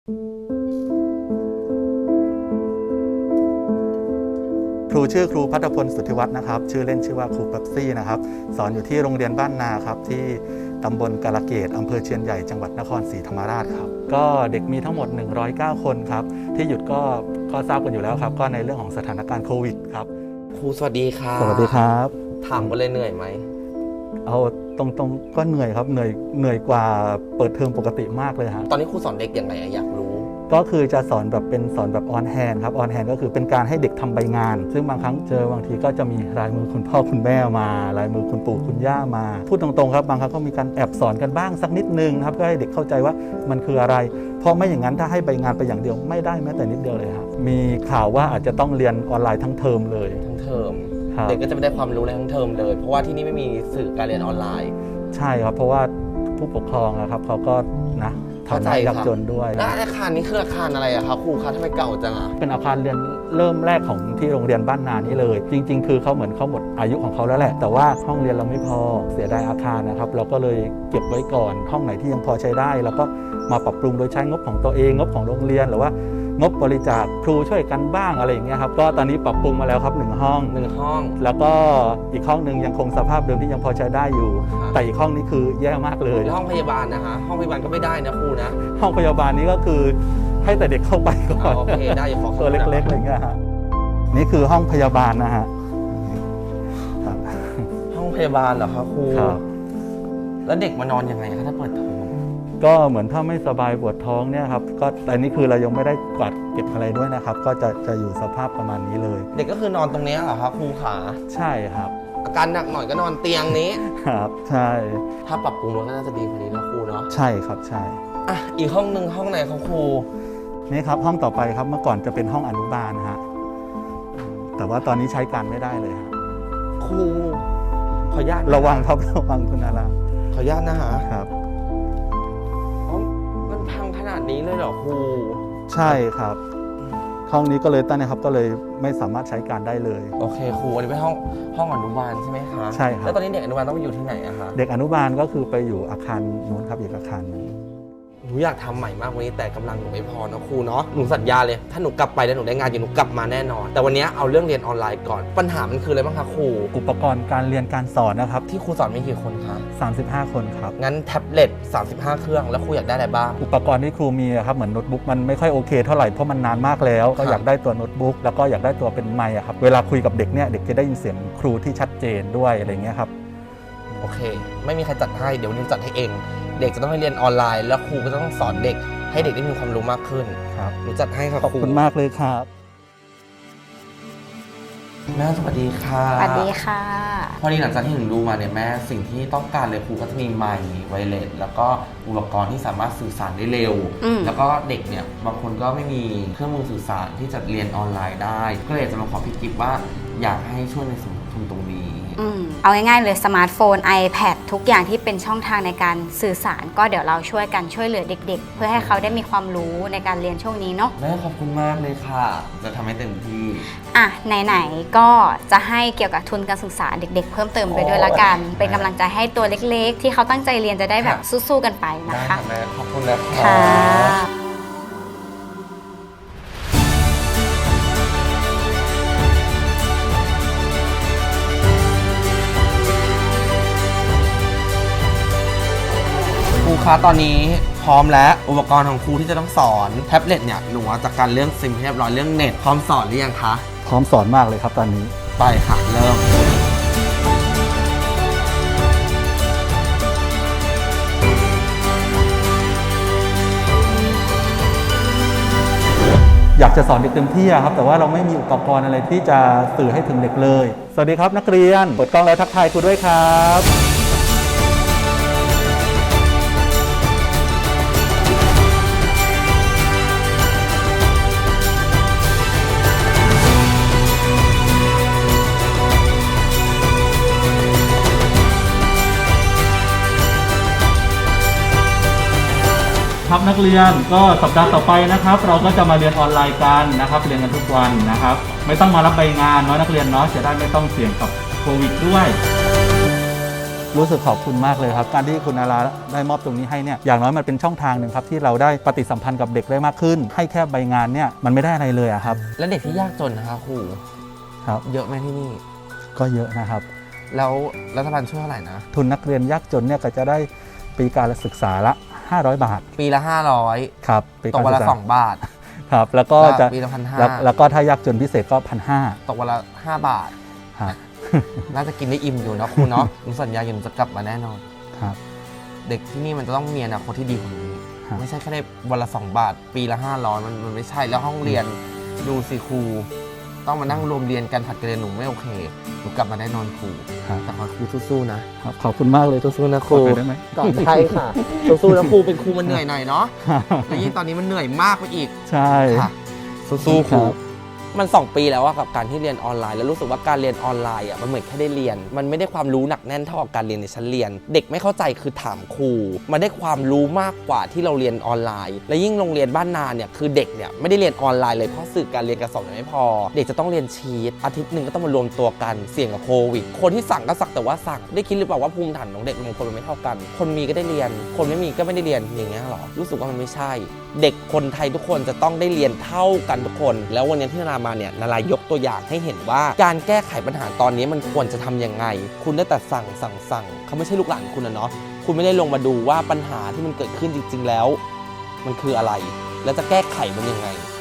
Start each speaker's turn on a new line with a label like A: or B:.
A: ครูชื่อครูภัทรพลสุทธิวัฒน์นะครับชื่อเล่นชื่อว่าครูเป๊ปซี่นะครับสอนอยู่ที่โรงเรียนบ้านนาครับที่ตำบลกาลเกตอำเภอเชียนใหญ่จังหวัดนครศรีธรรมราชครับก็เด็กมีทั้งหมด109คนครับที่หยุดก็ทราบกันอยู่แล้วครับก็ในเรื่องของสถานการณ์โควิดครับ
B: ครูสวัสดีค่ะ
A: สวัสดีครับ
B: ถามกันเลยเหนื่อยไหม
A: เอาตรงๆก็เหนื่อยครับเหนื่อยกว่าเปิดเทอมปกติมากเลยฮะ
B: ตอนนี้ครูสอนเด็กยังไงอยากรู้
A: ก็คือจะสอนแบบออนแฮนด์ครับออนแฮนด์ก็คือเป็นการให้เด็กทำใบงานซึ่งบางครั้งบางทีก็จะมีลายมือคุณพ่อคุณแม่มาลายมือคุณปู่คุณย่ามาพูดตรงๆครับบางครั้งก็มีการแอบสอนกันบ้างสักนิดนึงครับเพื่อให้เด็กเข้าใจว่ามันคืออะไรเพราะไม่อย่างนั้นถ้าให้ใบงานไปอย่างเดียวไม่ได้แม้แต่นิดเดียวเลยครับมีข่าวว่าอาจจะต้องเรียนออนไลน์ทั้งเทอมเลย
B: ทั้งเทอมเด็กก็จะไม่ได้ความรู้เลยทั้งเทอมเลยเพราะว่าที่นี่ไม่มีสื่อการเรียนออนไลน์
A: ใช่ครับเพราะว่าผู้ปกครองนะครับเขาก็นะฐานะยากจนด้วย
B: แล้วอาคารนี้คืออาคารอะไรอะครับครูคะทำไมเก่าจังอะ
A: เป็นอาคารเรียนเริ่มแรกของที่โรงเรียนบ้านนานี้เลยจริงๆคือเขาเหมือนเขาหมดอายุของเขาแล้วแหละแต่ว่าห้องเรียนเราไม่พอเสียดายอาคารนะครับเราก็เลยเก็บไว้ก่อนห้องไหนที่ยังพอใช้ได้แล้วก็มาปรับปรุงโดยใช้งบของตัวเองงบของโรงเรียนหรือว่างบบริจาคครูช่วยกันบ้างอะไรอย่างเงี้ยครับก็ตอนนี้ปรับปรุงมาแล้วครับ1 ห้องแล้วก็อีกห้องนึงยังคงสภาพเดิมที่ยังพอใช้ได้อยู่แต่อีกห้องนี้คือแย่มากเลย
B: ห้องพยาบาลนะฮะห้องพยาบาลก็ไม่ได้นะครูนะ
A: ห้องพยาบาลนี้ก็คือให้แต่เด็กเข้าไปก่อน
B: โอเคได้อย่าขอ
A: ตัวเล็กๆอะไรเงี้ยฮะนี่คือห้องพยาบาลนะฮะ
B: ห้องพยาบาลเหรอครับครูแล้วเด็กมานอนยังไงคะถ้าเปิดเทอม
A: ก็เหมือนถ้าไม่สบายปวดท้องเนี่ยครับก็อันนี้คือเรายังไม่ได้กวาดเก็บอะไรด้วยนะครับก็จะอยู่สภาพประมาณนี้เลย
B: เด็กก็คือนอนตรงนี้เหรอครับครูขา
A: ใช่ครับ
B: อาการหนักหน่อยก็นอนเตียงนี้
A: ครับใช่
B: ถ้าปรับปรุงรถก็น่าจะดีกว่านี้นะครูเนาะ
A: ใช่ครับใช่
B: อีกห้องนึงห้องไหนครับครู
A: นี่ครับห้องต่อไปครับเมื่อก่อนจะเป็นห้องอนุบาลฮะแต่ว่าตอนนี้ใช้การไม่ได้เลยครับ
B: ครูขออนุญาต
A: ระวังครับระวังคุณอารา
B: ขออนุญาตนะฮะ
A: ครับ
B: มันพังขนาดนี้เลยเหรอครู
A: ใช่ครับห้องนี้ก็เลยตั้งนะครับก็เลยไม่สามารถใช้การได้เลย
B: โอเคครูอันนี้เป็นห้องอนุบาลใช่ไหมคะ
A: ใช่ครับ
B: แล้วตอนนี้เด็กอนุบาลต้องไปอยู่ที่ไหนอะคะ
A: เด็กอนุบาลก็คือไปอยู่อาคารนู้นครับอีกอาคารนึง
B: หนูอยากทำใหม่มากวันนี้แต่กำลังหนูไม่พอนะครูเนาะหนูสัญญาเลยถ้าหนูกลับไปแล้วหนูได้งานอยู่หนูกลับมาแน่นอนแต่วันนี้เอาเรื่องเรียนออนไลน์ก่อนปัญหามันคืออะไรบ้างคะครู
A: อุปกรณ์การเรียนการสอนนะครับ
B: ที่ครูสอนมีกี่คนคะ
A: 35 คนครับ
B: งั้นแท็บเล็ต35เครื่องแล้วครูอยากได้อะไรบ้าง
A: อุปกรณ์ที่ครูมีครับเหมือนโน้ตบุ๊กมันไม่ค่อยโอเคเท่าไหร่เพราะมันนานมากแล้วก็อยากได้ตัวโน้ตบุ๊กแล้วก็อยากได้ตัวเป็นไมค์ครับเวลาคุยกับเด็กเนี่ยเด็กจะได้ยินเสียงครูที่ชัดเจนด้วยอะไรเงี้ยครับ
B: โอเคไม่มีใครจัดให้เดี๋ยววันนี้จัดให้เองเด็กจะต้องให้เรียนออนไลน์แล้วครูก็จะต้องสอนเด็กให้เด็กได้มีความรู้มากขึ้น
A: ครับ
B: หนูจัดให้ครับ
A: ขอบคุณมากเลยครับ
B: แม่สวัสดีค่ะ
C: สวัสดีค่ะ
B: พอดีหลังจากที่หนูดูมาเนี่ยแม่สิ่งที่ต้องการเลยครูก็จะมีไมค์ไวเลสแล้วก็อุปกรณ์ที่สามารถสื่อสารได้เร็วแล้วก็เด็กเนี่ยบางคนก็ไม่มีเครื่องมือสื่อสารที่จะเรียนออนไลน์ได้ก็เลยจะมาขอพี่กิฟต์ว่าอยากให้ช่วยในส่วนทุนตรงนี้
C: เอาง่ายๆเลยสมาร์ทโฟน iPad ทุกอย่างที่เป็นช่องทางในการสื่อสารก็เดี๋ยวเราช่วยกันช่วยเหลือเด็กๆเพื่อให้เขาได้มีความรู้ในการเรียนช่วงนี้เนาะ
B: แม่ขอบคุณมากเลยค่ะจะทำให้เต็มที่
C: ไหนๆก็จะให้เกี่ยวกับทุนการศึกษาเด็กๆเพิ่มเติมไปด้วยละกันเป็นกำลังใจให้ตัวเล็กๆที่เขาตั้งใจเรียนจะได้แบบสู้ๆกันไปนะคะ
B: แม่ขอบคุณนะ
C: ค่ะ
B: ครูคะตอนนี้พร้อมแล้วอุปกรณ์ของครูที่จะต้องสอนแท็บเล็ตเนี่ยหนูจากการเรื่องซิมเรียบร้อยเรื่องเน็ตพร้อมสอนหรือยังคะ
A: พร้อมสอนมากเลยครับตอนนี้
B: ไปค่ะเริ่ม
A: อยากจะสอนเด็กเต็มที่ครับแต่ว่าเราไม่มีอุปกรณ์อะไรที่จะสื่อให้ถึงเด็กเลยสวัสดีครับนักเรียนเปิดกล้องแล้วทักทายครูด้วยครับครับนักเรียนก็สัปดาห์ต่อไปนะครับเราก็จะมาเรียนออนไลน์กันนะครับเรียนกันทุกวันนะครับไม่ต้องมารับใบงานเนาะนักเรียนเนาะจะได้ไม่ต้องเสี่ยงกับโควิดด้วยรู้สึกขอบคุณมากเลยครับการที่คุณนาราได้มอบตรงนี้ให้เนี่ยอย่างน้อยมันเป็นช่องทางหนึ่งครับที่เราได้ปฏิสัมพันธ์กับเด็กได้มากขึ้น ให้แค่ใบงานเนี่ยมันไม่ได้อะไรเลยอะครับ
B: และเด็กที่ยากจนนะคะครู
A: ครับ
B: เยอะไหมที่นี่
A: ก็เยอะนะครับ
B: แล้วรัฐบาลช่วยเท่าไหร่นะ
A: ทุนนักเรียนยากจนเนี่ยก็จะได้ปีการศึกษาละ500 บาท
B: ปีละ500
A: ครับปี
B: ต
A: การ
B: กวัน
A: ศึ
B: ละ
A: กษา
B: 2 บาท
A: ครับแล้วก็จะ
B: ปีละ
A: แล้วก็ถ้ายากจนพิเศษก็
B: 1,500ตกวันละ5 บาท
A: 1,500ครับ
B: น่าจะกินได้อิ่มอยู่นะครูเนาะหนูสัญญาอยู่หนูจะกลับมาแน่นอน
A: ครับ
B: เด็กที่นี่มันจะต้องมีอนาคตที่ดีกว่านี้
A: ครับ
B: ไม่ใช่แค่ได้วันละ2 บาท ปีละ500มันไม่ใช่แล้วห้องเรียนดูสิครูต้องมานั่งรวมเรียนกันผัดกันเรียนหนูไม่โอเคหนูกลับมาแน่นอนครู
A: ครับ
B: แต่ขอครูสู้ๆนะครับ
A: ขอบคุณมากเลยทุก
B: สู้ๆนะค
A: ค
B: รู
A: นได้ไหม
B: ก่อนใช่ค่ะสู้ๆนะครูเป็นครูมันเหนื่อยหน่อยเนาะแล้วยิ่งตอนนี้มันเหนื่อยมากไปอีก
A: ใช่
B: ค่ะสู้ๆครู
A: ครับ
B: มัน2 ปีแล้วอะกับการที่เรียนออนไลน์แล้วรู้สึกว่าการเรียนออนไลน์อะมันเหมือนแค่ได้เรียน มันไม่ได้ความรู้หนักแน่นเท่ากับการเรียนในชั้นเรียน เด็กไม่เข้าใจคือถามครูมันได้ความรู้มากกว่าที่เราเรียนออนไลน์ และยิ่งโรงเรียนบ้านนาเนี่ยคือเด็กเนี่ยไม่ได้เรียนออนไลน์เลยเพราะสื่อการเรียนการสอนยังไม่พอ เด็กจะต้องเรียนชีตอาทิตย์หนึ่งก็ต้องมารวมตัวกันเสี่ยงกับโควิดคนที่สั่งก็สักแต่ว่าสั่งได้คิดหรือเปล่าว่าภูมิฐานของเด็กบางคนมันไม่เท่ากัน คนมีก็ได้เรียน คนไม่มีก็ไม่ได้เรียนอย่างเงี้ยหรอรู้สึกว่ามันไม่ใช่ เด็กคนไทยทุกคนจะต้องได้เรียนเท่ากันทุกคน แล้ววันนี้ที่นารามาเนี่ยนารายกตัวอย่างให้เห็นว่าการแก้ไขปัญหาตอนนี้มันควรจะทำยังไง คุณได้แต่สั่งเขาไม่ใช่ลูกหลานคุณนะเนาะคุณไม่ได้ลงมาดูว่าปัญหาที่มันเกิดขึ้นจริงๆแล้ว มันคืออะไร แล้วจะแก้ไขมันยังไง